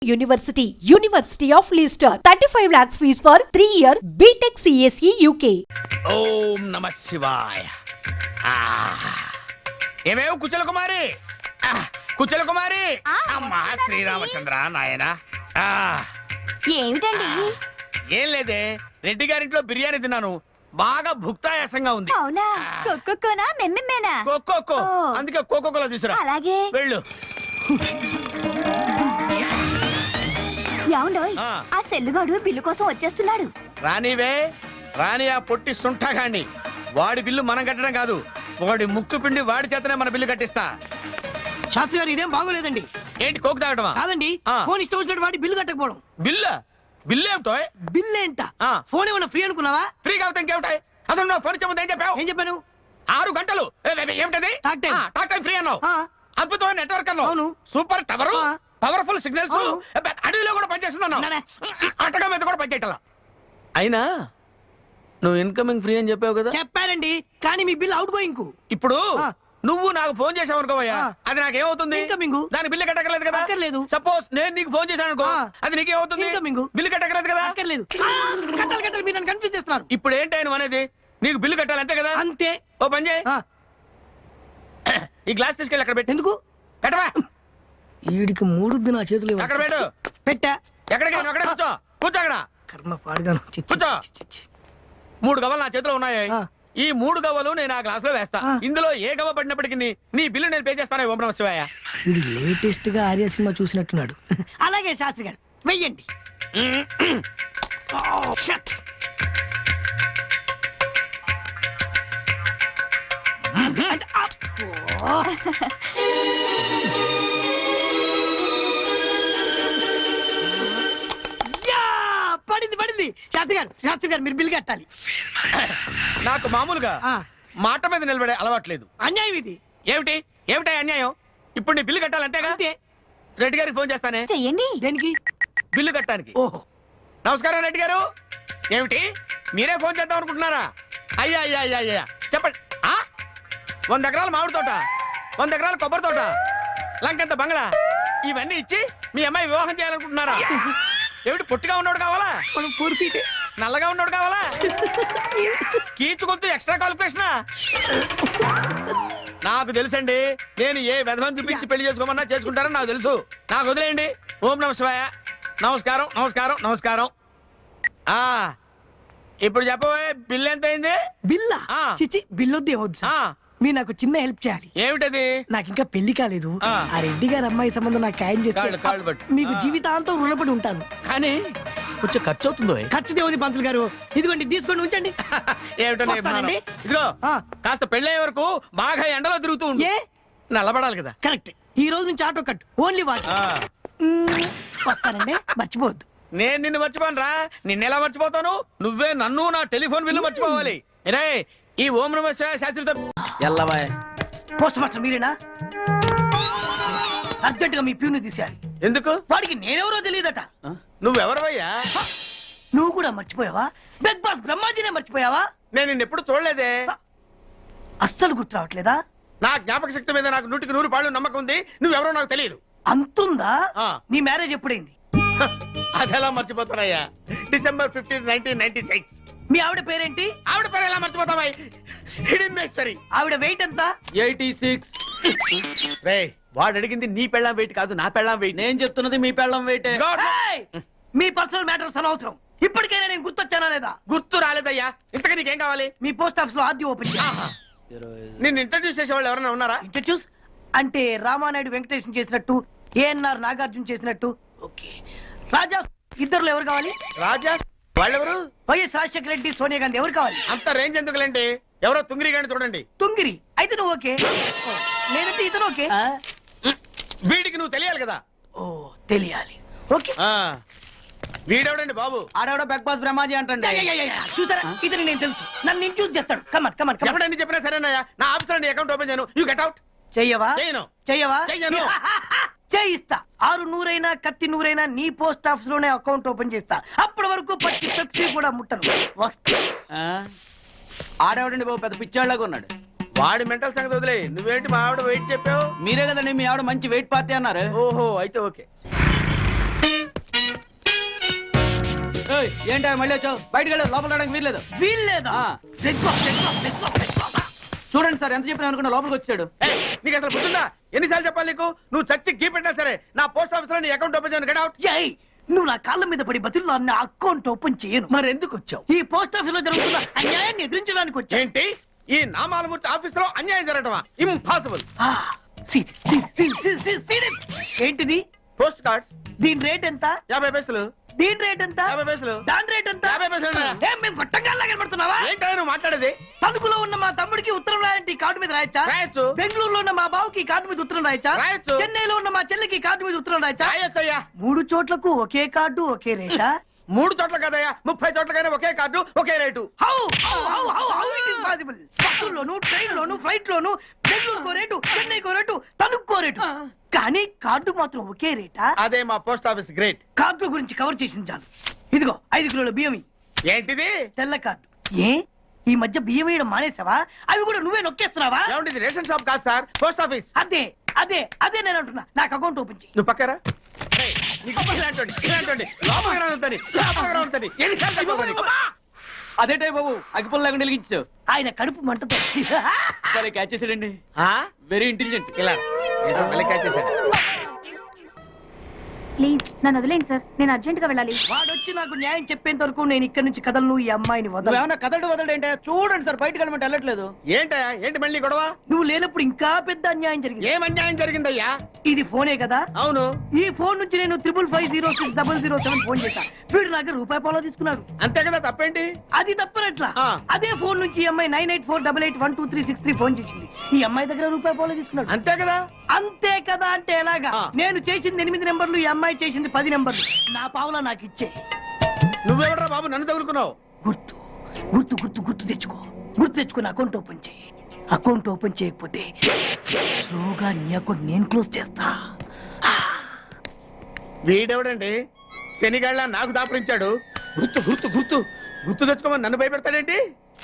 University of Leicester. 35 lakhs fees for 3-year BTech CSE UK. ఓం నమ శివాయ. ఏమేవ్ కుచల కుమారి, కుచల కుమారి. అమ్మా శ్రీరామచంద్ర నాయన. ఏమిటండి? ఏం లేదే, రెడ్డి గారింట్లో బిర్యానీ తిన్నాను, బాగా భుక్తాయాసంగా ఉంది. అవునా? కొక్కొక్కోనా మెమ్మెమ్మేనా? కోకో, అందుకే కోకోకోలా తీసురా. అలాగే. వెళ్ళు. ఏమండోయ్, ఆ సెల్లుగాడు బిల్లు కోసం వచ్చేస్తున్నాడు. రానివే రాని, ఆ పొట్టి సుంఠగాన్ని. వాడి బిల్లు మనం కట్టడం కాదు, వాడి ముక్కు పిండి వాడి చేతనే మన బిల్లు కట్టిస్తా. శాస్త్రి గారు ఇదేం బాగోలేదండి. ఏంటి కోకు తాగటమా? కాదండి, ఫోన్ ఇష్టం వచ్చినట్టు వాడి బిల్లు కట్టకపోవడం. బిల్లా? బిల్లు ఏమిటో? బిల్ ఏంట? ఫోన్ ఏమన్నా ఫ్రీ అనుకున్నావా? ఫ్రీ కాకపోతే ఇంకేమిటాయి? అసలు నువ్వు ఫోన్ ఇచ్చే ఏం చెప్పావు? ఏం చెప్పాను? 6 గంటలు. ఏమిటది? టాక్ టైం ఫ్రీ అన్నావు. అద్భుతమైన నెట్వర్క్ అన్నావు. అవును. సూపర్ టవర్, పవర్ఫుల్ సిగ్నల్స్, అడవిలో కూడా పనిచేస్తుంది అన్నావు. అట్టగా మీద కూడా పనిచేయాల. అయినా నువ్వు ఇన్కమింగ్ ఫ్రీ అని చెప్పావు కదా? చెప్పానండి, కానీ మీ బిల్ అవుట్ గోయింగ్. ఇప్పుడు నువ్వు నాకు ఫోన్ చేసావు అనుకోవయ్యా, అది నాకేమవుతుంది? ఇన్కమింగ్. దాని బిల్లు కట్టకలేదు కదా? అక్కర్లేదు. సపోజ్ నేను నీకు ఫోన్ చేశాను అనుకో, అది నీకేమవుతుంది? ఇన్కమింగ్. బిల్లు కట్టకలేదు కదా? అక్కర్లేదు. కట్టాలి, మీరు నన్ను కన్ఫ్యూజ్ చేస్తున్నారు. ఇప్పుడు ఏంటి ఆయన అనేది? నీకు బిల్లు కట్టాలి అంతే కదా? అంతే. ఓ పని చేయి, ఈ గ్లాస్ తీసుకెళ్ళి అక్కడ పెట్టు. ఎందుకు? పెట్టవా? వీడికి మూడుద్ది నా చేతులు. అక్కడ పెట్టు. పెట్టా. ఎక్కడికి? అక్కడ కూర్చో, కూర్చో అక్కడ. కర్మ పాడుగాను. కూర్చో. 3 గవ్వలు నా చేతిలో ఉన్నాయి. ఈ 3 గవ్వలు నేను ఆ గ్లాస్ లో వేస్తా. ఇందులో ఏ గవ్వ పడినప్పటికీ నీ బిల్లు నేను పే చేస్తాను. ఓం నమః శివాయ. ఇది లేటెస్ట్ గా ఆర్య సినిమా చూసినట్టున్నాడు. అలాగే శాస్త్రి గారు వెయ్యండి. పడింది. శాస్త్రి గారు మీరు బిల్ కట్టాలి. నాకు మామూలుగా మాట మీద నిలబడే అలవాట్లేదు. అన్యాయం ఇది. ఏమిటి అన్యాయం? ఇప్పుడు నీ బిల్లు కట్టాలి అంతేగా? అంతే. రెడ్డి గారికి ఫోన్ చేస్తానే. చెయ్యండి. దేనికి? బిల్లు కట్టడానికి. ఓహో, నమస్కారం రెడ్డి గారు. ఏమిటి మీరే ఫోన్ చేద్దాం అనుకుంటున్నారా? అయ్యా చెప్పండి. 100 ఎకరాల మామిడి తోట, 100 ఎకరాల కొబ్బరి తోట, లంకెంత బంగ్లా, ఇవన్నీ ఇచ్చి మీ అమ్మాయి వివాహం చేయాలనుకుంటున్నారా? ఏమిటి పొట్టిగా ఉన్నోడు కావాలా? నల్లగా ఉన్నోడు కావాలా? కీచుకొద్దు ఎక్స్ట్రా క్వాలిఫికేషనా? నాకు తెలుసండి, నేను ఏ విధమని చూపించి పెళ్లి చేసుకోమన్నా చేసుకుంటారని నాకు తెలుసు. నాకు వదిలేయండి. ఓం నమః శివాయ. నమస్కారం. ఇప్పుడు చెప్పబోయే బిల్ ఎంత అయింది? బిల్లా? చిచి, బిల్లొద్దు ఏమొద్దు. మీరు నాకు చిన్న హెల్ప్ చేయాలి. ఏమిటది? నాకు ఇంకా పెళ్లి కాలేదు. ఆ రెడ్డి గారి అమ్మాయి సంబంధం నాకు ఖాయం చేస్తే మీకు జీవితాంతం రుణపడి ఉంటాను. కానీ కొంచెం ఖర్చు అవుతుందో? ఖర్చు దేవుని పంతులు గారు, ఇదిగోండి తీసుకోండి, ఉంచండి. ఏమిటండి? ఇదిగో కాస్త పెళ్ళే వరకు బాగా ఎండలో తిరుగుతూ ఉండు. నల్లబడాలి కదా? కరెక్ట్. ఈ రోజు నుంచి ఆటో కట్ ఓన్లీ వాట్. వస్తానండి, మర్చిపోవద్దు. నేను నిన్ను మర్చిపోను రా. నిన్నెలా మర్చిపోతాను? నువ్వే నన్ను నా టెలిఫోన్ బిల్లు మర్చిపోవాలి. ఈ ఓం నమః శివాయ శాస్త్రితో పోస్ట్ మాస్టర్ మీరేనా? అర్జెంట్ గా మీ ప్యూని తీసేయాలి. ఎందుకు? వాడికి నేనెవరో తెలియదట. నువ్వెవరవయ్యా? నువ్వు కూడా మర్చిపోయావా? బిగ్ బాస్ బ్రహ్మాజీనే మర్చిపోయావా? నేను నిన్నెప్పుడు చూడలేదే. అస్సలు గుర్తు రావట్లేదా? నా జ్ఞాపక శక్తి మీద నాకు 100కి 100 పాళ్ళు నమ్మకం ఉంది. నువ్వెవరో నాకు తెలియదు. అంతుందా? నీ మ్యారేజ్ ఎప్పుడైంది? అదెలా మర్చిపోతానయ్యా? December 15, 1996. మీ ఆవిడ పేరేంటి? ఆవిడ పేరు ఎలా మర్చిపోతావా? హిడెన్మేశ్వరి. ఆవిడ వెయిట్ ఎంత? 86. వాడు అడిగింది నీ పెళ్ళాం వెయిట్ కాదు, నా పెళ్ళాం వెయిట్. నేను చెప్తున్నది మీ పెళ్ళాం వెయిట్. మీ పర్సనల్ మ్యాటర్స్ అనవసరం. ఇప్పటికైనా నేను గుర్తొచ్చానా లేదా? గుర్తు రాలేదయ్యా. ఇంతగా నీకేం కావాలి? మీ పోస్ట్ ఆఫీస్ లో ఆద్యం ఓపెన్ చేయాలి. నిన్ను ఇంట్రడ్యూస్ చేసే వాళ్ళు ఎవరైనా ఉన్నారా? ఇంట్రడ్యూస్ అంటే రామానాయుడు వెంకటేశం చేసినట్టు, ఏఎన్ఆర్ నాగార్జున చేసినట్టు. ఓకే, రాజా ఇద్దరులో ఎవరు కావాలి? రాజా వాళ్ళెవరు? వైఎస్ రాజశేఖర రెడ్డి, సోనియా గాంధీ ఎవరు కావాలి? అంత రేంజ్ ఎందుకులేండి, ఎవరో తుంగిరి గాని చూడండి. తుంగిరి అయితే నువ్వు ఓకే, నేనైతే ఇతను ఓకే. వీడికి నువ్వు తెలియాలి కదా? ఓ తెలియాలి. ఓకే. వీడెవడండి బాబు? ఆడెవడో బిగ్ బాస్ బ్రహ్మాజీ అంటండి. చూసారా, ఇతను నేను తెలుసు. నన్ను ఇంట్రడ్యూస్ చేస్తాడు. కమన్. ఎవడని చెప్పినా సరేనయ్యా. నా ఆఫీస్ అకౌంట్ ఓపెన్ చేయను. You get out. చెయ్యవా? చెయ్యను. చేయిస్తా. 6 నూరైనా కత్తి నూరైనా నీ పోస్ట్ ఆఫీస్ లోనే అకౌంట్ ఓపెన్ చేస్తా. అప్పటి వరకు పచ్చి పెప్సీ కూడా ముట్టను. వస్తా. ఆడేవాడండి బాబు, పెద్ద పిచ్చాళ్ళగా ఉన్నాడు. వాడి మెంటల్ సంగతి వదిలే. నువ్వేంటి మా ఆవిడ వెయిట్ చెప్పావు? మీరే కదండి మీ ఆవిడ మంచి వెయిట్ పార్టీ అన్నారు. ఓహో, అయితే ఓకే. ఏంటా మళ్ళీ వచ్చావు? బయటకు వెళ్ళు, లోపల రావడానికి వీల్లేదు. వీల్లేదా? ఆ. చూడండి సార్, ఎంత చెప్పినా అనుకున్నా లోపలికి వచ్చాడు. ఏయ్, నీకు అసలు గుర్తుందా? ఎన్నిసార్లు చెప్పాలి నీకు? నువ్వు చచ్చి గీ పెట్టినా సరే నా పోస్ట్ ఆఫీస్ లో నీ అకౌంట్ ఓపెన్ చేయను. Get out. ఏయ్, నువ్వు నా కాళ్ళ మీద పడి బతుల్లో అన్న అకౌంట్ ఓపెన్ చేయను. మరి ఎందుకు వచ్చావు? ఈ పోస్ట్ ఆఫీస్ లో జరుగుతున్న అన్యాయాన్ని ఎదిరించడానికి వచ్చా. ఏంటి ఈ నామాలమూర్తి ఆఫీస్ లో అన్యాయం జరగటమా? ఇంపాసిబుల్. ఏంటిది? పోస్ట్ కార్డ్స్ దీని రేట్ ఎంత? 50 పైసలు. దీని రేట్ ఎంత? 50 పైసలు. దాని రేట్ ఎంత? 50 పైసలు. ఏం మేము గొట్టంగా కనబడుతున్నావా? ఏంటో నువ్వు మాట్లాడేది? తణుకులో ఉన్న మా తమ్ముడికి ఉత్తరం రాయంటే కార్డు మీద రాయచ్చా? రాయొచ్చు. బెంగళూరులో ఉన్న మా బావుకి కార్డు మీద ఉత్తరం రాయచ్చా? రాయొచ్చు. చెన్నైలో ఉన్న మా చెల్లికి కార్డు మీద ఉత్తరం రాయచ్చా? రాయొచ్చయ్యా. 3 చోట్లకు ఒకే కార్డు ఒకే రేటా? 3 చోట్ల కదయ్యా, 30 చోట్లకైనా ఒకే కార్డు ఒకే rate. How it is possible? బస్సుల్లోను, ట్రైన్ లోను, ఫ్లైట్ లోను బెంగళూరుకో రేటు, చెన్నైకో రేటు, తణుక్కో రేటు, కానీ కార్డు మాత్రం ఒకే రేటా? అదే మా పోస్ట్ ఆఫీస్ గ్రేట్. కార్డు గురించి కవర్ చేసింది చాలు. ఇదిగో 5 కిలోల బియ్యం ఇయ్యి. ఏంటిది? తెల్ల కార్డు. ఏ ఈ మధ్య బియ్యం వేయడం మానేసావా? అవి కూడా నువ్వే నొక్కేస్తున్నావా? ఏమండి, ఇది రేషన్ షాప్ కాదు సార్, పోస్ట్ ఆఫీస్. అదే అదే అదే నేను అంటున్నా. నాకు అకౌంట్ ఓపెన్ చేయి. నువ్వు పక్కరా. ఏయ్, నీకు ఇలాంటోడి లోపలికి రానుందని, లోపలికి రానుందని ఎన్నిసార్లు చెప్పాలి నీకు? అదేటే బాబు, అగ్గిపుల్ల లేకుండా వెలిగించావు. ఆయన కడుపు మంటతో సరే క్యాచ్ చేసాడండి. ఆ? Very intelligent. ఇలా ఏదో మళ్ళీ catch చేశాడు. ప్లీజ్ నన్ను వదిలేండి సార్, నేను అర్జెంట్ గా వెళ్ళాలి. వాడొచ్చి నాకు న్యాయం చెప్పేంత వరకు నేను ఇక్కడి నుంచి కదలను. ఈ అమ్మాయిని వదలను. నువ్వేమన్నా వదలడేంటే చూడండి సార్, బయటకు వెళ్ళమంటే వెళ్ళట్లేదు. ఏంటయ్యా, ఏంటి మళ్ళీ గొడవ? నువ్వు లేనప్పుడు ఇంకా పెద్ద అన్యాయం జరిగింది. ఏం అన్యాయం జరిగిందయ్యా? ఇది ఫోనే కదా? అవును. ఈ ఫోన్ నుంచి నేను 555060007 ఫోన్ చేశా. వీడు నాకు రూపాయి పాలో తీసుకున్నాడు. అంతే కదా, తప్పేంటి? అది తప్పనట్లా. ఆ. అదే ఫోన్ నుంచి ఈ అమ్మాయి 9848812363 ఫోన్ చేసింది. ఈ అమ్మాయి దగ్గర రూపాయి పాలో తీసుకున్నాడు. అంతే కదా. అంతే కదా అంటే ఎలాగా? ఆ. నేను చేసింది 8 నెంబర్లు, ఈ అమ్మాయి చేసింది 10 నెంబర్లు. నా పావులా నాకు ఇచ్చే. నువ్వెవడరా బాబు నన్ను తగులుకున్నావు? గుర్తు గుర్తు గుర్తు గుర్తు తెచ్చుకో. గుర్తు తెచ్చుకుని అకౌంట్ ఓపెన్ చేయి. అకౌంట్ ఓపెన్ చేయకపోతే స్లోగా నీ అకౌంట్ నేను క్లోజ్ చేస్తా. వీడెవడండి శనిగాళ్ళ నాకు దాపరించాడు? గుర్తు గుర్తు గుర్తు గుర్తు తెచ్చుకోమని నన్ను భయపెడతాడేంటి?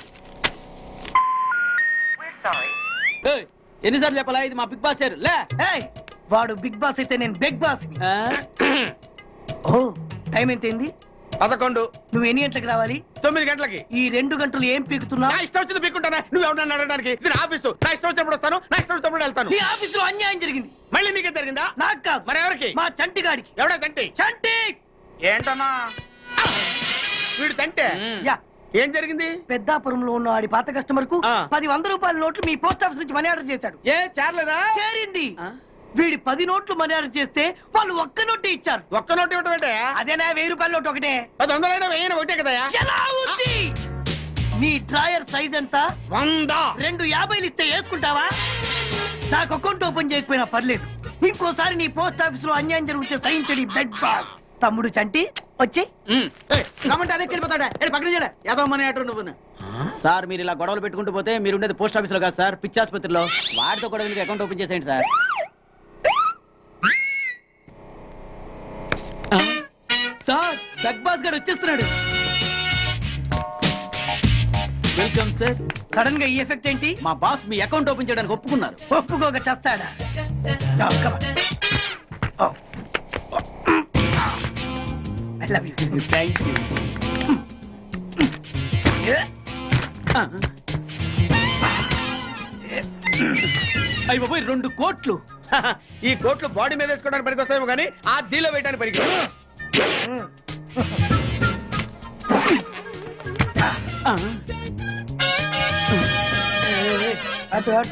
ఏయ్, ఎన్నిసార్లు చెప్పాలా, ఇది మా బిగ్ బాస్ సార్. లే ఏయ్, వాడు బిగ్ బాస్ అయితే నేను బిగ్ బాస్. ఆ? ఓ, టైం ఎంతైంది? 11. నువ్వు ఎన్ని గంటలకు రావాలి? 9 గంటలకి. ఈ 2 గంటలు ఏం పీకుతున్నా? నా ఇష్టం వచ్చింది పీక్కుంటానా? నువ్వు ఎవడన్నా అడగడానికి? ఇది నా ఆఫీసు. నా ఇష్టం వచ్చినప్పుడు వస్తాను, నా ఇష్టం వచ్చినప్పుడు వెళ్తాను. ఈ ఆఫీసులో అన్యాయం జరిగింది. మళ్ళీ నీకే జరిగిందా? నాకు కాదు, మరి ఎవరికి? మా చంటి గాడికి. ఎవడా తంటి? చంటి ఏంటన్నా వీడు తంటే? యా, ఏం జరిగింది? పెద్దాపురంలో ఉన్న వాడి పాత కస్టమర్ కు ఆ. 10 100 రూపాయల నోట్లు మీ పోస్ట్ ఆఫీస్ నుంచి మనీ ఆర్డర్ చేశాడు. ఏ చేరలేదా? చేరింది. ఆ? వీడి 10 నోట్లు మనీ ఆర్డర్ చేస్తే వాళ్ళు ఒక్క నోటే ఇచ్చారు. ఒక్క నోటు ఇవ్వటం ఏంటే? అదేనా 1000 రూపాయల నోటు ఒకటే. 10 వెయ్యి ఒకటే కదయా? ఎలా ఉంది? నీ డ్రాయర్ సైజ్ ఎంత? 100. 2 50 ఇస్తే వేసుకుంటావా? నాకు అకౌంట్ ఓపెన్ చేయకపోయినా పర్లేదు. ఇంకోసారి నీ పోస్ట్ ఆఫీస్ లో అన్యాయం జరిగితే సహించడి బెడ్ బాస్. తమ్ముడు చంటి వచ్చి రమ్మంటే అదే వెళ్ళిపోతాడా? పక్కన చేయలే యాదవ మనీ ఆటో నువ్వు. సార్ మీరు ఇలా గొడవలు పెట్టుకుంటూ పోతే మీరు ఉండేది పోస్ట్ ఆఫీస్ లో కాదు సార్, పిచ్చి ఆసుపత్రిలో. వాడితో కూడా మీకు అకౌంట్ ఓపెన్ చేసేయండి సార్. సార్ బిగ్ బాస్ గారు వచ్చేస్తున్నాడు. Welcome sir. సడన్ గా ఈ ఎఫెక్ట్ ఏంటి? మా బాస్ మీ అకౌంట్ ఓపెన్ చేయడానికి ఒప్పుకున్నారు. ఒప్పుకోక చేస్తాడా? I love you. Thank you. అయ్యి బాబోయ్, 2 కోట్లు. ఈ కోట్లు బాడీ మీద వేసుకోవడానికి పనికొస్తాయేమో కానీ ఆ దీలో వేయడానికి పనికి. ఆ. అటు అటు.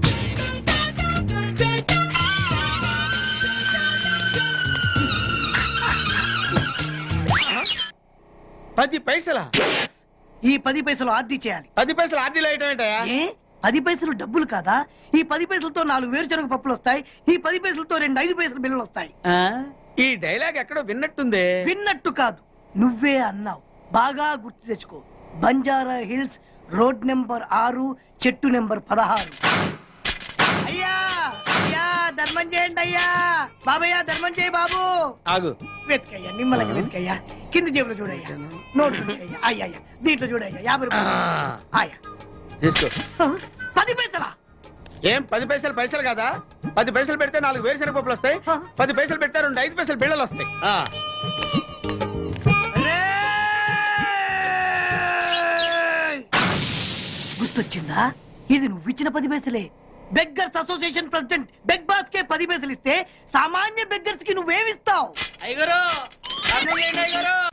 పది పైసలా? ఈ 10 పైసలు ఆర్డీ చేయాలి. 10 పైసలు ఆర్డీలో వేయటం ఏంటయా? ఏ 10 పైసలు డబ్బులు కాదా? ఈ 10 పైసలతో 4 వేరుశనగ పప్పులు వస్తాయి. ఈ 10 పైసలతో 2 5 పైసలు బిల్లులు వస్తాయి. ఆ? ఈ డైలాగ్ ఎక్కడో విన్నట్టుంది. విన్నట్టు కాదు, నువ్వే అన్నావు. బాగా గుర్తు తెచ్చుకో. బంజారా హిల్స్, రోడ్ నెంబర్ 6, చెట్టు నెంబర్ 16. అయ్యా అయ్యా ధర్మం చేయండి అయ్యా. బాబయ్య ధర్మం చేయి బాబు. ఆగు. వెతికయ్యా, నిమ్మలంగా వెతికయ్యా. కింది జేబులో చూడయ్యా, నోట్లు చూడయ్యా. అయ్యా అయ్యా, దీంట్లో చూడయ్యా 50 రూపాయలు. అయ్యా తీసుకో. 10 పైసలా? ఏం 10 పైసలు పైసలు కాదా? 10 పైసలు పెడితే 4 వేరుశనగ పప్పులు వస్తాయి. 10 పైసలు పెడితే 2 5 పైసలు బిళ్ళలు వస్తాయి. రేయ్! గుర్తొచ్చిందా? ఇది నువ్విచ్చిన 10 పైసలే. Beggars association president beg boss కే 10 పైసలు ఇస్తే సామాన్య బెగ్గర్స్ కి నువ్వేమిస్తావు?